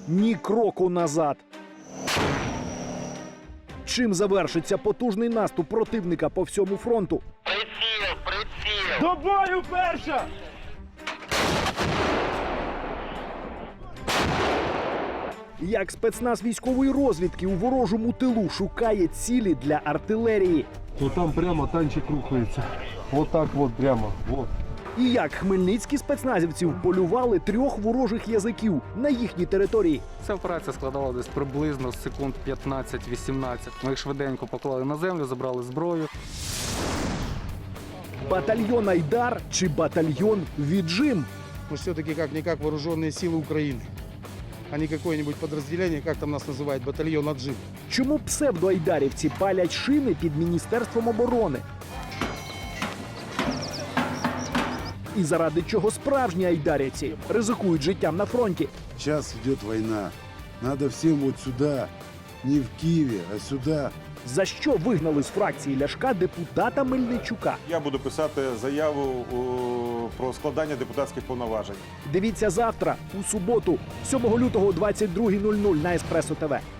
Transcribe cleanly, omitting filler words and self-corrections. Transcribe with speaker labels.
Speaker 1: ні кроку назад. Чим завершиться потужний наступ противника по всьому фронту?
Speaker 2: До бою, перша!
Speaker 1: Як спецназ військової розвідки у ворожому тилу шукає цілі для артилерії?
Speaker 3: Вот там прямо танчик рухається. Вот так вот прямо. Вот.
Speaker 1: І як хмельницькі спецназівці вполювали 3 ворожих язиків на їхній території?
Speaker 4: Ця операція складала десь приблизно секунд 15-18. Ми їх швиденько поклали на землю, забрали зброю.
Speaker 1: Батальйон «Айдар» чи батальйон «Віджим»?
Speaker 5: Мы все-таки как-никак вооруженные силы Украины, а не какое-нибудь подразделение, как там нас называют, батальон «Аджим».
Speaker 1: Чому псевдоайдарівці палять шини під Міністерством оборони? І заради чого справжні айдарівці ризикують життям на фронті?
Speaker 6: Сейчас идет война. Надо всем вот сюда, не в Киеве, а сюда.
Speaker 1: За що вигнали з фракції Ляшка депутата Мельничука?
Speaker 7: Я буду писати заяву про складання депутатських повноважень.
Speaker 1: Дивіться завтра, у суботу, 7 лютого о 22:00 на Еспресо ТВ.